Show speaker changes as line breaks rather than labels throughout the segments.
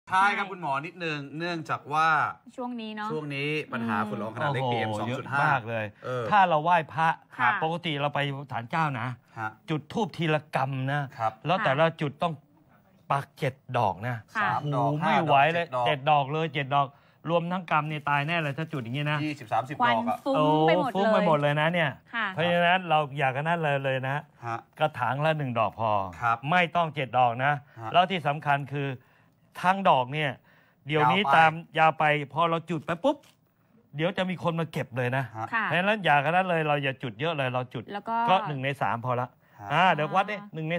ท้ายครับคุณหมอนิดนึงเนื่องจากว่า
ช่วงนี้เนาะ
ช่วงนี้ปัญหาฝุ่นละอองขนาดเล็ก PM 2.5
มากเลยถ้าเราไหว้พระปกติเราไปศาลเจ้านะจุดธูปทีละกรรมนะแล้วแต่ละจุดต้องปัก7 ดอกนะโอ้ไม่ไหวเลย7 ดอกเลย7 ดอกรวมทั้งกรรมเนี่ยตายแน่เลยถ้าจุดอย่างนี้นะ
20-30 ดอกอะ
ฟุ้งไปหมดเลย
นะเนี่ยเพราะฉะนั้นเราอยากกันนั่นเลยนะกระถางละ1 ดอกพอไม่ต้อง7 ดอกนะแล้วที่สำคัญคือทั้งดอกเนี่ยเดี๋ยวนี้ตามยาวไปพอเราจุดไปปุ๊บเดี๋ยวจะมีคนมาเก็บเลยนะเพราะฉะนั้นอยากกันนั่นเลยเราอย่าจุดเยอะเลยเราจุดก็1 ใน 3พอละเดี๋ยววัดเนี่ย1 ใน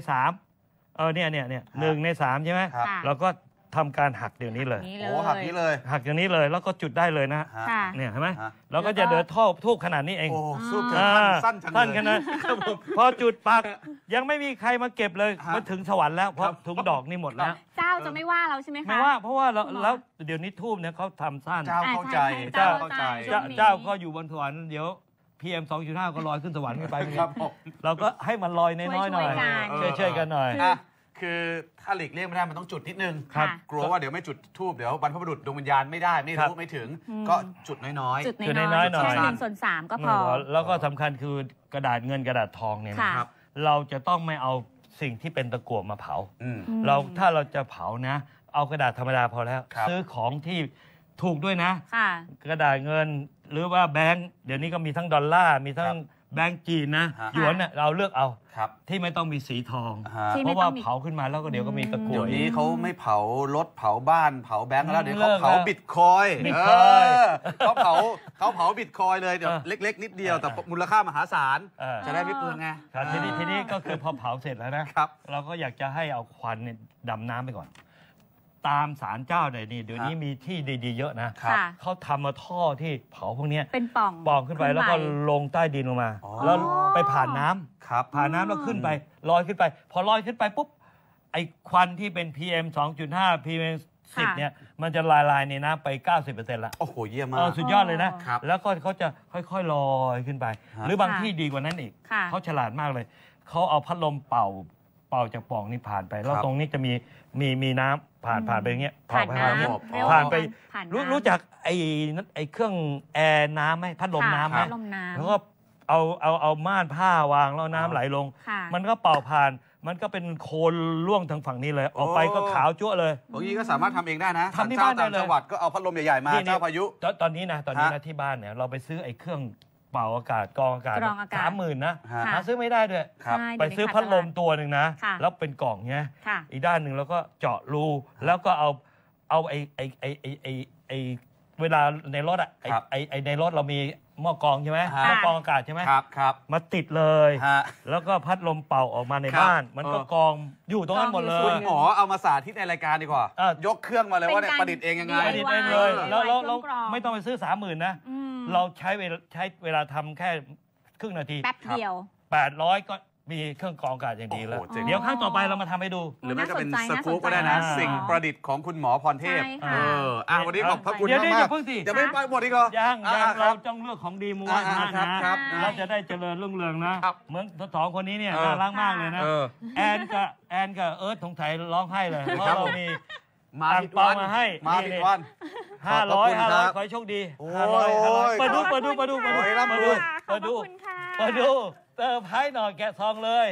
3เนี่ย1 ใน 3ใช่ไหมเราก็ทำการหักเดี๋ยวนี้เลย
หักนี้เลย
หักอย่างนี้เลยแล้วก็จุดได้เลยนะเนี่ยเห็นไหมเราก็จะเดินทูบขนาดนี้เองสั้นขนาดพอจุดปักยังไม่มีใครมาเก็บเลยมาถึงสวรรค์แล้วเพราะถุงดอกนี่หมดแล้ว
เจ้าจะไม่ว่าเราใช่ไหมคะ
ไม่ว่าเพราะว่าแล้วเดี๋ยวนี้ทูบเนี่ยเขาทำสั้น
เจ้าเข้าใจ
เจ้าก็อยู่บนสวรรค์เดี๋ยว PM 2.5 ก็ลอยขึ้นสวรรค์ไปเราก็ให้มันลอยน้อยๆหน่อยช่วยกันหน่อย
คือถ้าหลีกเลี่ยงไม่ได้มันต้องจุดนิดนึงกลัวว่าเดี๋ยวไม่จุดธูปเดี๋ยวบรรพบุรุษดวงวิญญาณไม่ได้ไม่รู้ไม่ถึงก็จุดน้อย
ๆจุดน้อยๆหน่อย1/3ก็พอ
แล้วก็สำคัญคือกระดาษเงินกระดาษทองเนี่ยนะครับเราจะต้องไม่เอาสิ่งที่เป็นตะกั่วมาเผาถ้าเราจะเผานะเอากระดาษธรรมดาพอแล้วซื้อของที่ถูกด้วยนะกระดาษเงินหรือว่าแบงค์เดี๋ยวนี้ก็มีทั้งดอลลาร์มีทั้งแบงก์จีนนะหยวนเนี่ยเราเลือกเอาที่ไม่ต้องมีสีทองเพราะว่าเผาขึ้นมาแล้วก็เดี๋ยวก็มีตะกั่ว
เดี๋ยวนี้เขาไม่เผารถเผาบ้านเผาแบงก์แล้วเดี๋ยวเขาเผาบิตคอยเขาเผาบิตคอยเลยเดี๋ยวเล็กๆนิดเดียวแต่มูลค่ามหาศาลจะได้ไม่เปลืองไง
ทีนี้ก็คือพอเผาเสร็จแล้วนะเราก็อยากจะให้เอาควันดำน้ำไปก่อนตามศาลเจ้าเนี่ยเดี๋ยวนี้มีที่ดีๆเยอะนะเขาทำมาท่อที่เผาพวกนี้
เป็นป่
องขึ้นไปแล้วก็ลงใต้ดินลงมาแล้วไปผ่านน้ำผ่านน้ำแล้วขึ้นไปลอยขึ้นไปพอลอยขึ้นไปปุ๊บไอ้ควันที่เป็น PM 2.5 PM 10เนี่ยมันจะละลายในน้ำไป 90% ละ
โอ้โหเยี่ยมมาก
สุดยอดเลยนะแล้วก็เขาจะค่อยๆลอยขึ้นไปหรือบางที่ดีกว่านั้นอีกเขาฉลาดมากเลยเขาเอาพัดลมเป่าจากปล่องนี่ผ่านไปแล้วตรงนี้จะมีน้ำผ่านไปอย่างเงี้ยผ่านไปรู้จักไอ้เครื่องแอร์น้ำไหมพัดลมน้ำไหมแล้วก็เอาม่านผ้าวางแล้วน้ำไหลลงมันก็เป่าผ่านมันก็เป็นโคลนล่วงทางฝั่งนี้เลยออกไปก็ขาวจั่วเลย
บางทีก็สามารถทำเองได้นะทำที่บ้านได้เลยจังหวัดก็เอาพัดลมใหญ่ๆมาเจ้าพายุ
ตอนนี้นะที่บ้านเนี่ยเราไปซื้อไอ้เครื่องเป่าอากาศกรองอากาศ30,000นะหาซื้อไม่ได้ด้วยไปซื้อพัดลมตัวหนึ่งนะแล้วเป็นกล่องเงี้ยอีกด้านหนึ่งแล้วก็เจาะรูแล้วก็เอาไอเวลาในรถอ่ะไอในรถเรามีหม้อกรองใช่ไหมหม้อกรองอากาศใช่ไหม
ครับ
มาติดเลยแล้วก็พัดลมเป่าออกมาในบ้านมันก็กรองอยู่ตรงนั้นหมดเลย
คุณหมอเอามาสาธิตในรายการดีกว่ายกเครื่องมาเลยว่าเนี่ยประดิษฐ์เองยังไง
ประดิษฐ์เองเลยแล้วไม่ต้องไปซื้อ30,000นะเราใช้เวลาทำแค่ครึ่งนาที
แป๊บเดียว
800ก็มีเครื่องกรองอากาศอย่างดีแล้วเดี๋ยวครั้งต่อไปเรามาทำให้ดู
หรือไม่ก็เป็นสกู๊ปก็ได้นะสิ่งประดิษฐ์ของคุณหมอพรเทพวันนี้ขอบพระคุณมาก
จะ
ไม่ไปหมดอีกเหรอ
ยังเราต้องเลือกของดีม้วนนะเราจะได้เจริญรุ่งเรืองนะเหมือนสองคนนี้เนี่ยน่ารักมากเลยนะแอนกับเอิร์ธสงสัยร้องไห้เลยเพราะเรามี
มาผิดวัน
มาให้
ผิดวัน
500ขอให้โชคดี500เปิดดูเติมให้หน่อยแกะซองเลย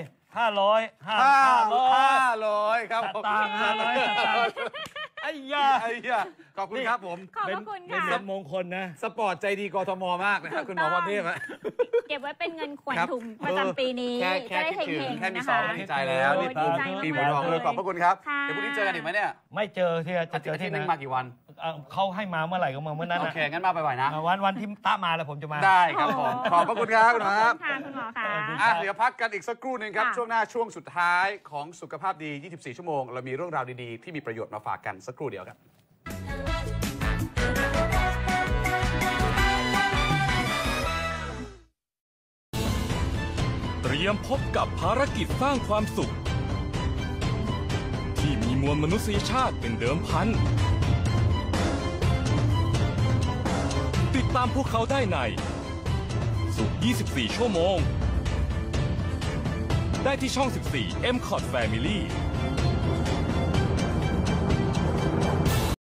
500
ครับ
ตามไอ้ยา
ขอบคุณครับผม
ขอบคุณค่ะ
เป็นมงคลนะ
สปอร์ตใจดีกทมมากนะครับคุณหมอพรเทพ
เก็บไว้เป็นเงินขวัญถุงประจำปีนี้จะได้เฮงๆ
แค่มี2ใจแล้วนี่ปีหมูทองเลยขอบพระคุณครับเดี๋ยวพรุ่งนี้เจอกันอีกไหมเนี่ย
ไม่เจอที่จะเจอที่
นึงมากี่วัน
เขาให้มาเมื่อไหร่ก็มาเมื่อนั้น
โอเคงั้นมาบ่อยๆนะ
วันที่ตามาแล้วผมจะมา
ได้ครับผมขอบพระคุณครับคุณหมอครับ
คุณหมอค่ะ
เดี๋ยวพักกันอีกสักครู่นึงครับช่วงหน้าช่วงสุดท้ายของสุขภาพดี24ชั่วโมงเรามีเรื่องราวดีๆที่มีประโยชน์มาฝากกันสักครู่เดียวครับ
เตรียมพบกับภารกิจสร้างความสุขที่มีมวลมนุษยชาติเป็นเดิมพันติดตามพวกเขาได้ในสุข24ชั่วโมงได้ที่ช่อง14 MCOT Family